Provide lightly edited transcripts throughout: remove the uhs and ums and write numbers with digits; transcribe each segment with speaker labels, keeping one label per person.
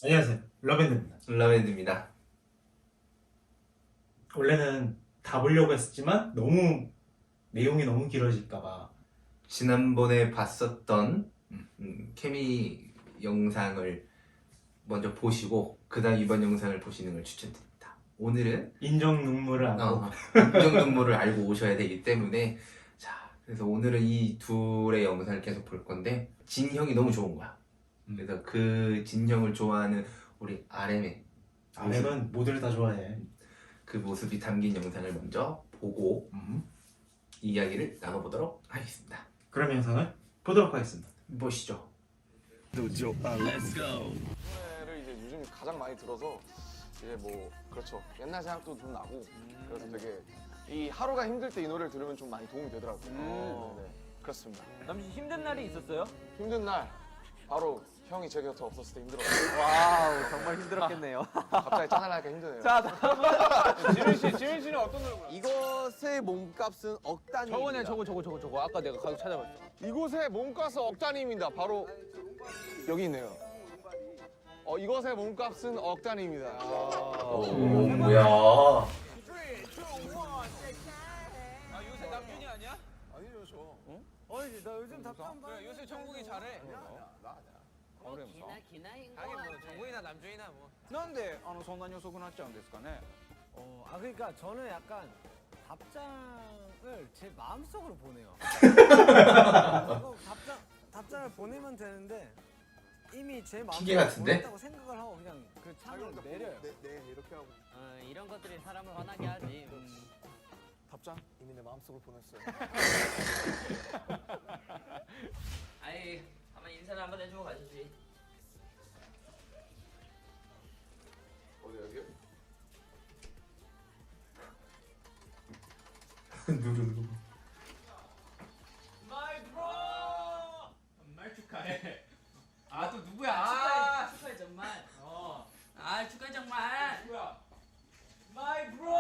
Speaker 1: 안녕하세요. 러밴드입니다.
Speaker 2: 라벤드입니다.
Speaker 1: 원래는 다 보려고 했었지만 너무 내용이 너무 길어질까봐
Speaker 2: 지난번에 봤었던 케미 영상을 먼저 보시고 그다음 이번 영상을 보시는 걸 추천드립니다. 오늘은
Speaker 1: 인정 눈물을 안고
Speaker 2: 인정 눈물을 알고 오셔야 되기 때문에 자 그래서 오늘은 이 둘의 영상을 계속 볼 건데 진형이 너무 좋은 거야. 그래서 그 진형을 좋아하는 우리
Speaker 1: RM은 모두를 다 좋아해.
Speaker 2: 그 모습이 담긴 영상을 먼저 보고 이야기를 나눠보도록 하겠습니다.
Speaker 1: 그럼 영상을 보도록 하겠습니다.
Speaker 2: 보시죠.
Speaker 3: Let's go. 를 이제 요즘 가장 많이 들어서 이제 뭐 그렇죠 옛날 생각도 좀 나고 그래서 되게 이 하루가 힘들 때 이 노래를 들으면 좀 많이 도움이 되더라고요. 네, 그렇습니다.
Speaker 4: 남씨 힘든 날이 있었어요?
Speaker 3: 힘든 날 바로 형이 제 곁에 없었을 때 힘들었어요.
Speaker 4: 와우 정말 힘들었겠네요.
Speaker 3: 갑자기 짠하니까 힘드네요.
Speaker 4: 자 지민 씨는 어떤 노래 불렀어요?
Speaker 5: 이것의 몸값은 억 단위입니다.
Speaker 4: 저거네 저거 아까 내가 가서 찾아봤어.
Speaker 3: 이곳의 몸값은 억 단위입니다. 바로 여기 있네요. 이것의 몸값은 억 단위입니다.
Speaker 2: 뭐야?
Speaker 4: 아 요새 남준이 아니야?
Speaker 3: 아니죠 저.
Speaker 4: 어이 나 요즘 답장 봐. 요새 정국이 잘해.
Speaker 3: 그래 무슨?
Speaker 4: 하긴 뭐 정국이나 남준이나 뭐.
Speaker 5: なんでそんなに遅くなっちゃうんですかね.
Speaker 6: 그러니까 저는 약간 답장을 제 마음속으로 보내요. 답장을 보내면 되는데 이미 제
Speaker 2: 기계
Speaker 6: 마음속으로
Speaker 2: 같은데?
Speaker 6: 보냈다고 생각을 하고 그냥 그 창을 내려요.
Speaker 3: 네 이렇게 하고
Speaker 6: 이런 것들이 사람을 화나게 하지.
Speaker 3: 답장 이미 내 마음속으로 보냈어요.
Speaker 7: 아이 한번 인사를 한번 해주고 가시지.
Speaker 3: 어디 여기요?
Speaker 2: 누구?
Speaker 4: 마이 브로. 정말 축하해. 아 또 누구야?
Speaker 7: 축하해 정말. 아 축하해 정말.
Speaker 4: 누구야? 마이 브로.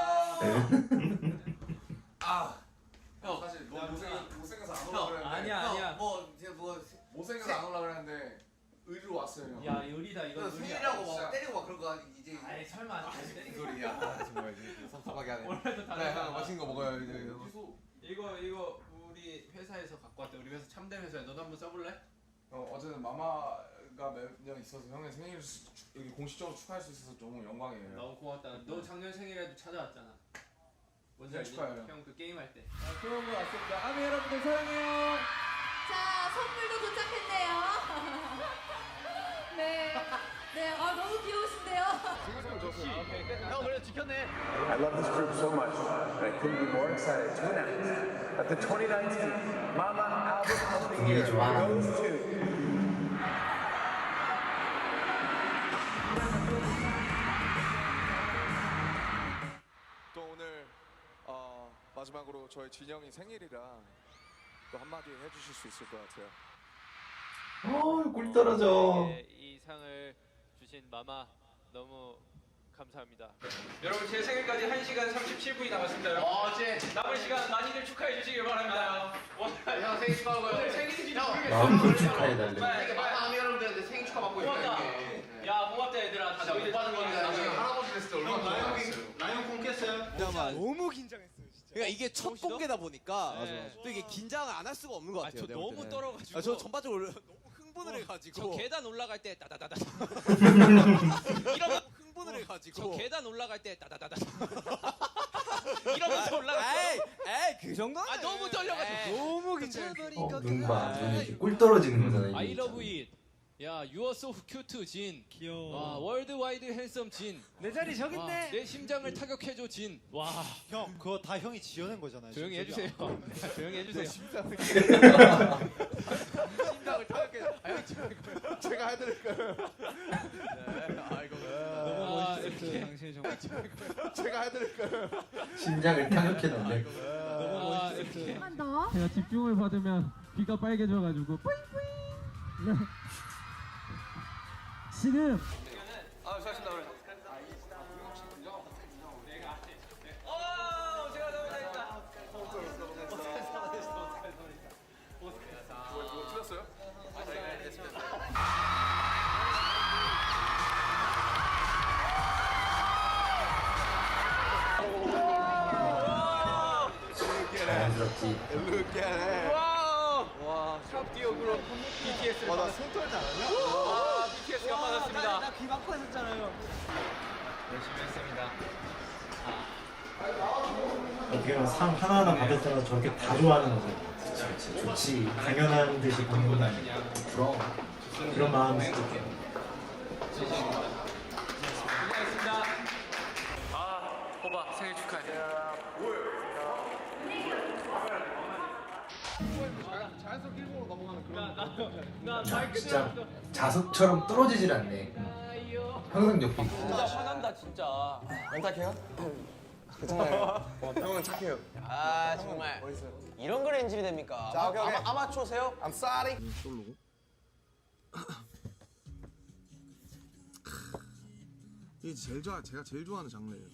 Speaker 3: 형 사실 너무 못생겨서 안 올라 그랬는데.
Speaker 4: 아니야.
Speaker 3: 못생겨서 안 올라 그랬는데 의리로 왔어요 형.
Speaker 4: 야 요리다 이거
Speaker 5: 생일이라고 막 때리고 막 그런 거 이제
Speaker 4: 아이 설마
Speaker 5: 무슨 소리야. 정말 이제 섭섭하게 하네.
Speaker 4: 원래도
Speaker 5: 네,
Speaker 4: 다른
Speaker 5: 형 맛있는 거 먹어요 이제.
Speaker 4: 이거 우리 회사에서 갖고 왔대. 우리 회사 참된 회사야. 너도 한번 써볼래?
Speaker 3: 어제는 마마가 몇 년 있어서 형의 생일 여기 공식적으로 축하할 수 있어서 너무 영광이에요.
Speaker 4: 너무 고맙다. 너 작년 생일에도 찾아왔잖아. 뭔지 알지?
Speaker 3: 축하해요.
Speaker 4: 형 그 게임 할 때. 좋은 거 왔습니다. 아미 여러분들 사랑해요.
Speaker 8: 자, 선물도 도착했네요. 네. 네, 너무 귀여우신데요.
Speaker 4: 형 그래 지켰네.
Speaker 9: I love this group so much, and I couldn't be more excited to announce that the 2019 Mama Album of the Year goes to
Speaker 3: 또 오늘 마지막으로 저희 진영이 생일이라 또 한마디 해주실 수 있을 것 같아요.
Speaker 2: 꿀 떨어져.
Speaker 10: 이 상을 주신 마마 너무 감사합니다.
Speaker 4: 여러분 제 생일까지 1시간 37분이 남았습니다. 남은 시간 많이들 축하해 주시길 바랍니다.
Speaker 5: 형 생일 축하하고요.
Speaker 4: 오늘 생일인지 모르겠어.
Speaker 2: 마음껏 축하해달래.
Speaker 5: 아미 여러분들한테 생일 축하 받고
Speaker 4: 고맙다. 야 고맙다 얘들아. 다 너희들
Speaker 5: 받은 거니까 나중에
Speaker 4: 다
Speaker 5: 할아버지 됐을 때 얼마나 좋아하겠어요.
Speaker 4: 라이온 콩 깼어요?
Speaker 5: 너무 긴장했어요 진짜. 그러니까 이게 첫
Speaker 10: 멋있어?
Speaker 5: 공개다 보니까
Speaker 10: 네.
Speaker 5: 또 이게 긴장을 안 할 수가 없는 것 같아요.
Speaker 10: 저
Speaker 5: 내가
Speaker 10: 너무
Speaker 5: 볼 때는.
Speaker 10: 떨어가지고.
Speaker 5: 저 전반적으로 너무 흥분을
Speaker 10: 저
Speaker 5: 해가지고.
Speaker 10: 계단 올라갈 때 따다다다.
Speaker 5: 이러면 흥분을
Speaker 10: 저
Speaker 5: 해가지고.
Speaker 10: 계단 올라갈 때 따다다다. 이러면서 올라갔어.
Speaker 5: 에이 그 정도는.
Speaker 10: 너무 떨려가지고.
Speaker 5: 너무 긴장해버리니까.
Speaker 2: 눈 봐. 눈이 이렇게 꿀 떨어지는 거잖아.
Speaker 10: I
Speaker 2: 이게
Speaker 10: love it. 야, you are so cute 진.
Speaker 6: 귀여워.
Speaker 10: 월드와이드 핸섬 진.
Speaker 6: 내 자리 저기 있네.
Speaker 10: 내 심장을 타격해줘 진. 와,
Speaker 6: 형, 그거 다 형이 지어낸 거잖아요.
Speaker 10: 조용히 해주세요. 조용히 해주세요.
Speaker 5: 심장을 타격해. 제가 해드릴까요? 네, 아이고.
Speaker 6: 너무
Speaker 10: 아,
Speaker 6: 멋있었어요.
Speaker 10: 이렇게.
Speaker 6: 당신이 정말.
Speaker 5: 제가 해드릴까요?
Speaker 2: 심장을 타격해놨네.
Speaker 6: 너무
Speaker 10: 아,
Speaker 6: 멋있었어요.
Speaker 10: 이렇게.
Speaker 8: 한 더.
Speaker 4: 제가 집중을 받으면 귀가 빨개져가지고
Speaker 6: 지금
Speaker 4: 수고하셨습니다. 제가 너무 잘했다.
Speaker 3: 틀렸어요?
Speaker 2: 그치.
Speaker 5: 루키네.
Speaker 4: 와, 샵 디오 그룹 BTS를
Speaker 5: 와나 손 떨지 않았냐?
Speaker 4: 와, BTS가 받았습니다.
Speaker 6: 나귀 막고 했었잖아요.
Speaker 4: 열심히 했습니다.
Speaker 1: 어떻게 보면 상 하나하나 받을 때마다 저렇게 다 좋아하는 거죠.
Speaker 2: 그치, 좋지.
Speaker 1: 당연한 듯이 받는 건
Speaker 2: 부러워.
Speaker 1: 그런 마음이 있어.
Speaker 4: 고생했습니다. 호바 생일 축하해.
Speaker 3: 자연스럽게 일본으로 넘어가는 그런.
Speaker 2: 야, 진짜 자석처럼 떨어지질 않네. 항상 옆에 있고.
Speaker 6: 진짜 화난다 진짜.
Speaker 3: 안 착해요? 괜찮아요. 형은 착해요.
Speaker 6: 아 정말. 이런 걸 엔진이 됩니까?
Speaker 3: 자, 오케이, 오케이.
Speaker 6: 아마추어세요?
Speaker 3: I'm sorry. 솔로고. 이게 제가 제일 좋아하는 장르예요.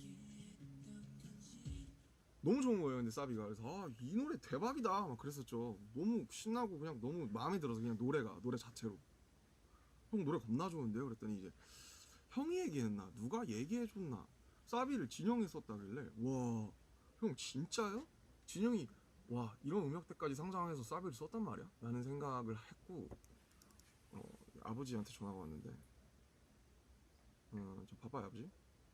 Speaker 3: 너무 좋은 거예요, 근데 사비가. 그래서 이 노래 대박이다 막 그랬었죠. 너무 신나고 그냥 너무 마음에 들어서 그냥 노래 자체로. 형 노래 겁나 좋은데요? 그랬더니 이제 형이 얘기했나 누가 얘기해줬나 사비를 진영이 썼다길래 와 형 진짜요? 진영이 와 이런 음역대까지 상상해서 사비를 썼단 말이야? 라는 생각을 했고 아버지한테 전화가 왔는데 좀 바빠요 아버지?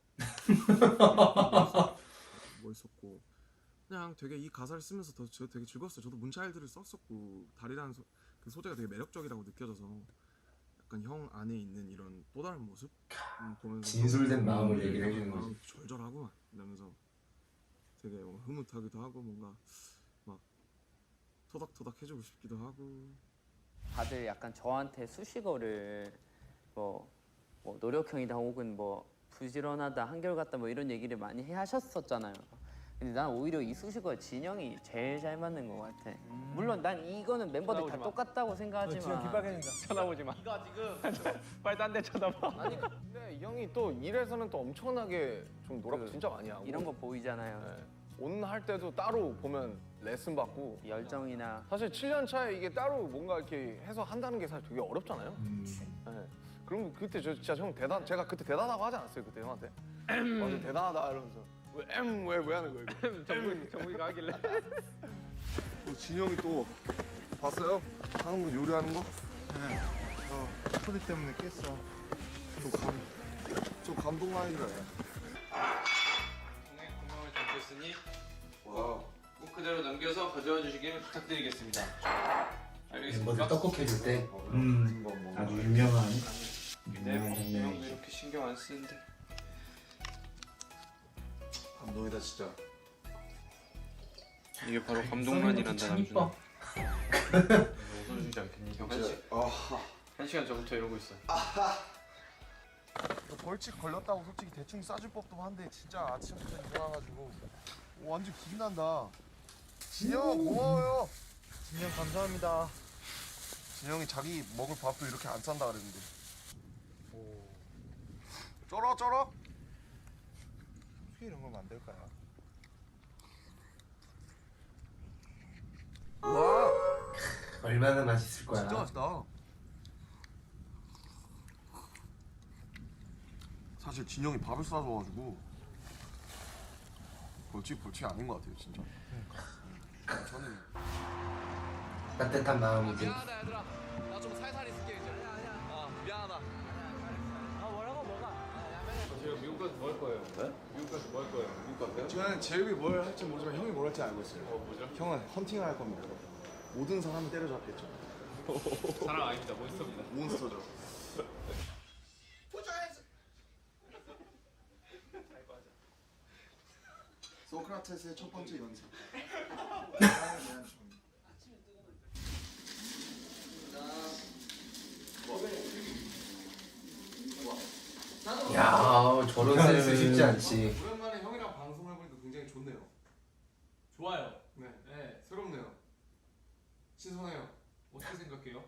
Speaker 3: 뭐 있었고 그냥 되게 이 가사를 쓰면서 저 되게 즐거웠어요. 저도 문차일드를 썼었고 달이라는 그 소재가 되게 매력적이라고 느껴져서 약간 형 안에 있는 이런 또 다른 모습 보면서
Speaker 2: 진솔된 마음을 얘기를 해주는 거지.
Speaker 3: 마음이 절절하구만 이러면서 되게 뭔가 흐뭇하기도 하고 뭔가 막 토닥토닥 해주고 싶기도 하고.
Speaker 11: 다들 약간 저한테 수식어를 뭐 노력형이다 혹은 뭐 부지런하다 한결같다 뭐 이런 얘기를 많이 하셨었잖아요. 근데 난 오히려 이 수식어에 진영이 제일 잘 맞는 것 같아. 물론 난 이거는 멤버들 다 똑같다고 생각하지만
Speaker 6: 진영 귓빨개진다.
Speaker 4: 쳐다보지 마. 이거 지금 빨리 딴 데 쳐다봐.
Speaker 3: 아니 근데 이 형이 또 일에서는 또 엄청나게 좀 노력 진짜 많이 하고
Speaker 11: 이런 거 보이잖아요.
Speaker 3: 네. 온 할 때도 따로 보면 레슨 받고
Speaker 11: 열정이나
Speaker 3: 사실 7년 차에 이게 따로 뭔가 이렇게 해서 한다는 게 사실 되게 어렵잖아요. 네. 그럼 그때 저 진짜 형 제가 그때 대단하다고 하지 않았어요 그때 형한테? 완전 대단하다 이러면서 왜 하는 거야 이거?
Speaker 4: 정국이가 하길래.
Speaker 3: 진영이 또 봤어요? 하는 거 요리하는 거? 네. 소리 때문에 깼어. 좀 감동 많이 들어요.
Speaker 4: 동행 공명을 담겼으니 꼭 그대로 남겨서 가져와 주시길 부탁드리겠습니다. 알겠습니까?
Speaker 2: 멤버들 떡국 해줄 때
Speaker 1: 아주 유명한
Speaker 4: 네, 형도
Speaker 1: 장면이지.
Speaker 4: 이렇게 신경 안 쓰는데.
Speaker 3: 감동이다 진짜.
Speaker 4: 이게 바로
Speaker 2: 아,
Speaker 4: 감동만이란다 남준아. 웃어주지 않겠니? 형 한 시간 전부터 이러고 있어.
Speaker 3: 벌칙 걸렸다고 솔직히 대충 싸줄 법도 한데 진짜 아침부터 일어나가지고 완전 기분난다. 진영 고마워요.
Speaker 6: 진영 감사합니다.
Speaker 3: 진영이 자기 먹을 밥도 이렇게 안 싼다 그랬는데. 쩔어? 어떻게 이런 걸 만들까요? 와
Speaker 2: 얼마나 맛있을 거야.
Speaker 3: 진짜 맛있다. 사실 진영이 밥을 싸줘가지고 벌칙 아닌 것 같아요 진짜. 저는
Speaker 2: 따뜻한 마음이지.
Speaker 5: 미안하다 얘들아. 나 좀 살살 있을게 이제. 미안하다.
Speaker 6: 아 뭐라고 뭐가?
Speaker 4: 지금 미국 가서 뭐 할 거예요? 네? 미국 가서 뭐 할 거예요? 미국 가세요?
Speaker 3: 저는 제육이 뭘 할지 모르지만 형이 뭘 할지 알고 있어요.
Speaker 4: 뭐죠?
Speaker 3: 형은 헌팅을 할 겁니다. 모든 사람을 때려잡겠죠.
Speaker 4: 사랑 아닙니다. 몬스터입니다.
Speaker 3: 몬스터죠. 소크라테스의 첫 번째 연습.
Speaker 2: 야, 저런 센스 쉽지 않지.
Speaker 3: 오랜만에 형이랑 방송을 해보니까 굉장히 좋네요.
Speaker 4: 좋아요.
Speaker 3: 네,
Speaker 4: 네.
Speaker 3: 새롭네요. 신선해요.
Speaker 4: 어떻게 생각해요?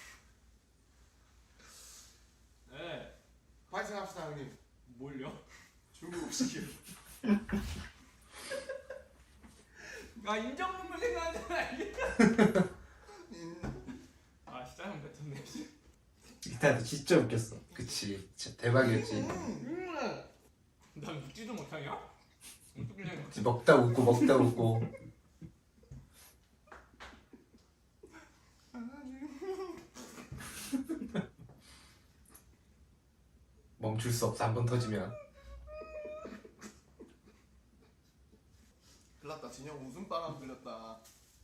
Speaker 4: 네.
Speaker 3: 파이팅 합시다 형님.
Speaker 4: 뭘요?
Speaker 3: 중국 음식이요.
Speaker 4: 아 인정문물 생각하잖아 이게. 아 진짜 형 뱉었네.
Speaker 1: 일단 진짜 웃겼어.
Speaker 2: 그치. 진짜 대박이었지.
Speaker 4: 난 웃지도 못하냐? 어떻게 생각해?
Speaker 2: 먹다 웃고 먹다 웃고. 멈출 수 없어. 한 번 터지면.
Speaker 3: 큰일 났다. 진영 웃음바람 불렸다.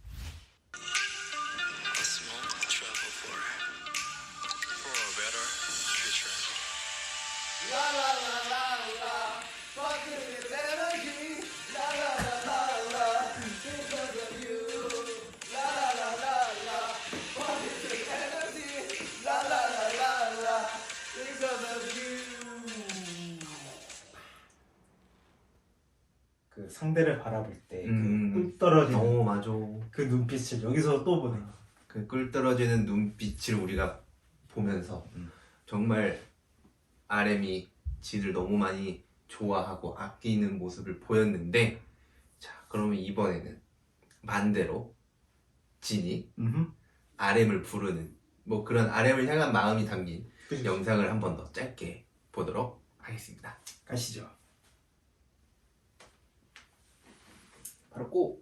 Speaker 1: 그 상대를 바라볼 때
Speaker 2: 음.
Speaker 1: 그 떨어지는
Speaker 2: 오 맞아.
Speaker 1: 그 눈빛을 여기서 또 보네.
Speaker 2: 그 꿀 떨어지는 눈빛을 우리가 보면서 정말 RM이 진을 너무 많이 좋아하고 아끼는 모습을 보였는데, 자 그러면 이번에는 반대로 진이 RM을 부르는 뭐 그런 RM을 향한 마음이 담긴 영상을 한 번 더 짧게 보도록 하겠습니다.
Speaker 1: 가시죠.
Speaker 2: 바로 고!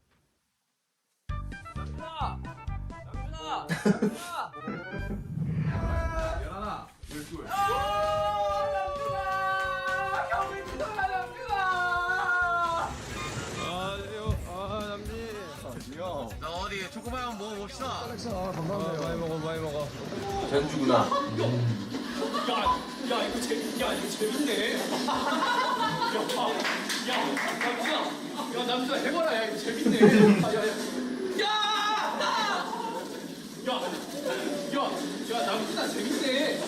Speaker 4: 나 어디 초코바이 한번 먹어봅시다.
Speaker 2: 전주구나.
Speaker 10: 남준아 해봐라. 야 이거 재밌네. 야 남준아 재밌네.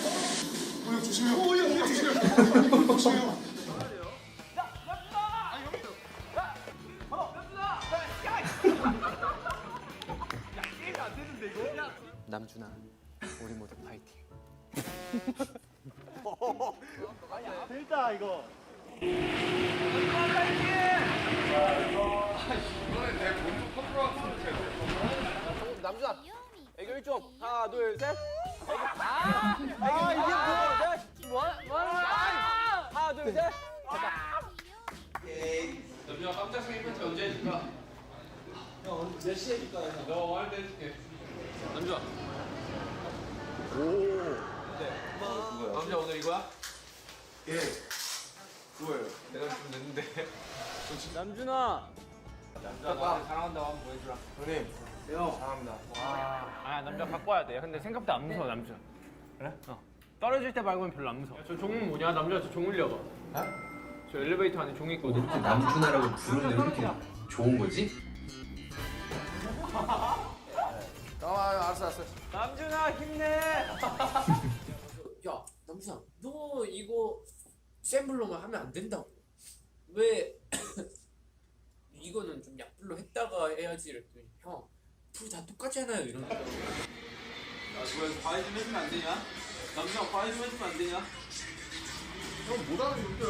Speaker 6: 남준아, 우리 모두 파이팅.
Speaker 5: 남준아, 애교 1종. 하나, 둘, 셋. 이게 뭐야? 하나, 둘, 셋.
Speaker 4: 남준아 깜짝 생일 파티 언제 해줄까? 몇 시에 해줄까? 너 할때 해줄게. 남준아. 오. 남준아 오늘 이거야?
Speaker 3: 예. 그거예요.
Speaker 4: 내가 좀 냈는데.
Speaker 5: 남준아.
Speaker 4: 남준아 나한테 사랑한다고 한번 보여주라.
Speaker 3: 형님. 사랑합니다.
Speaker 5: 아, 남자 갖고 와야 돼. 근데 생각보다 안 무서워, 남자. 그래? 떨어질 때 말고는 별로 안 무서워. 저 종은 뭐냐? 남자 저 종 흘려봐. 저 엘리베이터 안에 종이 있거든.
Speaker 2: 이렇게 남준아라고 부르는데 왜 이렇게 좋은 거지?
Speaker 3: 알았어.
Speaker 5: 남준아 힘내.
Speaker 7: 야 남준아 너 이거 센 불로만 하면 안 된다고. 왜 이거는 좀 약불로 했다가 해야지 이랬더니 형 둘 다 똑같잖아요 이러니까.
Speaker 4: 야 그거 과외 좀 해주면 안 되냐? 남준아 과외 좀 해주면 안 되냐?
Speaker 3: 형 못하는 게 웃겨요.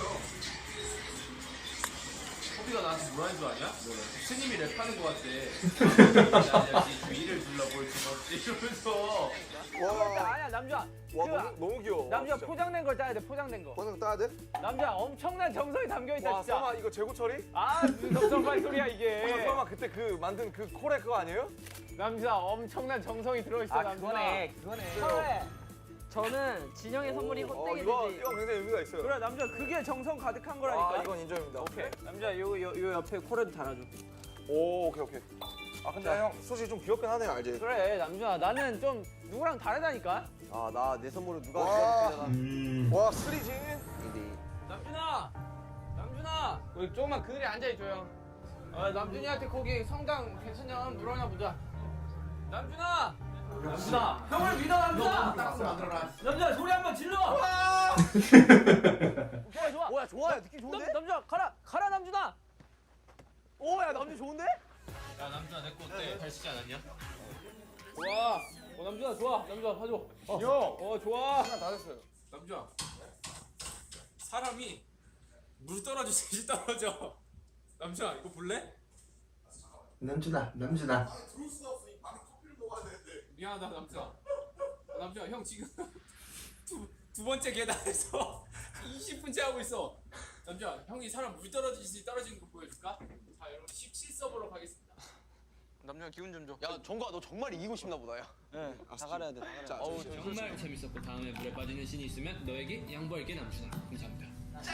Speaker 4: 호비가 나한테 뭐라는 줄 아냐? 스님이 랩하는 거 같대. 야, 위를 둘러볼 수 없지 이러면서.
Speaker 5: 아니야, 남준아.
Speaker 3: 와 너무 귀여워.
Speaker 5: 남준아 포장된 걸 따야 돼. 포장된 거.
Speaker 3: 번호 따야 돼?
Speaker 5: 남준아 엄청난 정성이 담겨 있다, 진짜.
Speaker 3: 설마 이거 재고 처리?
Speaker 5: 아, 무슨 정성발 소리야 이게.
Speaker 3: 설마 그때 그 만든 그 콜에 그거 아니에요?
Speaker 5: 남준아 엄청난 정성이 들어있어, 남준아. 그거네.
Speaker 11: 저는 진영의 선물이 헛되게
Speaker 3: 이거
Speaker 11: 되지.
Speaker 3: 굉장히 의미가 있어요.
Speaker 5: 그래, 남준아 그게 정성 가득한 거라니까.
Speaker 3: 이건 인정입니다.
Speaker 5: 오케이. 남준아 요 옆에 콜에도 달아줘.
Speaker 3: 오, 오케이. 아 근데 형 솔직히 좀 귀엽긴 하네요, 알지?
Speaker 5: 그래, 남준아 나는 좀 누구랑 다르다니까.
Speaker 3: 아 나 내 선물을 누가 와 스리지?
Speaker 5: 남준아 우리 조금만 그늘에 앉아있줘요. 남준이한테 거기 성당 괜찮냐 한번 물어나 보자. 남준아 형을 믿어. 남준아 남준아 소리 한번 질러. 좋아
Speaker 3: 좋아요. 느낌 좋은데?
Speaker 5: 남준아 가라 남준아. 오야 남준 좋은데?
Speaker 4: 야 남준아 내 거 어때? 잘 쓰지 않았냐?
Speaker 5: 좋아. 남준아 좋아. 남준아 봐줘.
Speaker 3: 형!
Speaker 5: 좋아.
Speaker 3: 시간 다 됐어요.
Speaker 4: 남준아 사람이 물 떨어지듯이 떨어져. 남준아 이거 볼래?
Speaker 2: 남준아.
Speaker 3: 들어올 수 없어. 이 방에 커피를 먹어야 되는데.
Speaker 4: 미안하다 남준아. 남준아 형 지금 두 번째 계단에서 20분째 하고 있어. 남준아 형이 사람 물 떨어지듯이 떨어지는 거 보여줄까? 자 여러분 17서버로 가겠습니다.
Speaker 3: 남준아 기운 좀 줘. 야 정과 너 정말 이기고 싶나 보다 야.
Speaker 6: 네, 다 가려야 돼. 다 가려야 돼.
Speaker 3: 자,
Speaker 5: 정말 재밌었고 다음에 물에 빠지는 신이 있으면 너에게 양보할게 남준아. 감사합니다.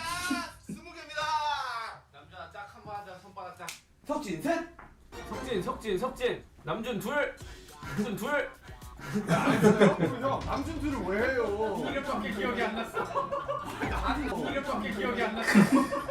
Speaker 10: 남준아 짝 한번 하자. 손바닥 짝.
Speaker 5: 석진 셋. 석진. 남준 둘. 남준 둘.
Speaker 10: 형 남준 둘을 왜 해요? 이름밖에 기억이 안 났어. 이름밖에 기억이 안 났어.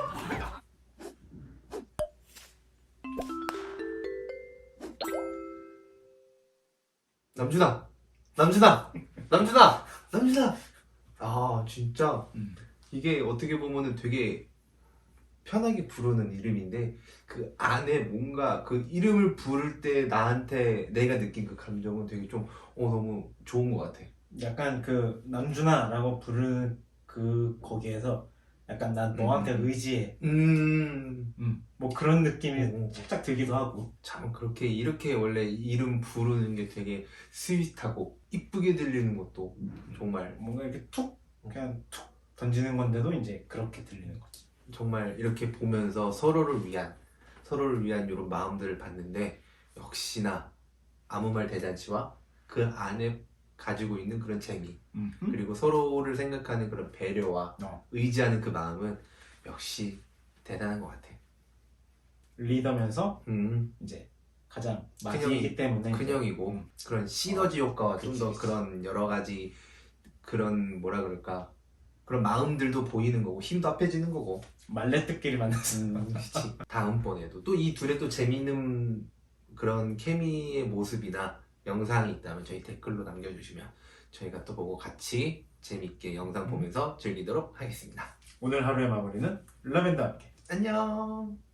Speaker 2: 남준아. 아 진짜 이게 어떻게 보면은 되게 편하게 부르는 이름인데 그 안에 뭔가 그 이름을 부를 때 나한테 내가 느낀 그 감정은 되게 좀 너무 좋은 것 같아.
Speaker 1: 약간 그 남준아라고 부르는 그 거기에서 약간 난 너한테 의지해. 뭐 그런 느낌이 살짝 들기도 하고.
Speaker 2: 참 그렇게 이렇게 원래 이름 부르는 게 되게 스윗하고 이쁘게 들리는 것도 정말
Speaker 1: 뭔가 이렇게 툭 그냥 툭 던지는 건데도 이제 그렇게 들리는 거지.
Speaker 2: 정말 이렇게 보면서 서로를 위한 이런 마음들을 봤는데 역시나 아무 말 대잔치와 그 안에 가지고 있는 그런 재미 그리고 서로를 생각하는 그런 배려와 의지하는 그 마음은 역시 대단한 것 같아.
Speaker 1: 리더면서 이제 가장 마지이기 때문에
Speaker 2: 큰형이고 그런 시너지 효과와 좀 더 그런 여러 가지 그런 뭐라 그럴까 그런 마음들도 보이는 거고 힘도 합해지는 거고
Speaker 1: 말레트끼리 만났어.
Speaker 2: 그치. 다음번에도 또 이 둘의 또 재미있는 그런 케미의 모습이나 영상이 있다면 저희 댓글로 남겨주시면 저희가 또 보고 같이 재밌게 영상 보면서 즐기도록 하겠습니다.
Speaker 1: 오늘 하루의 마무리는 라벤더와 함께.
Speaker 2: 안녕.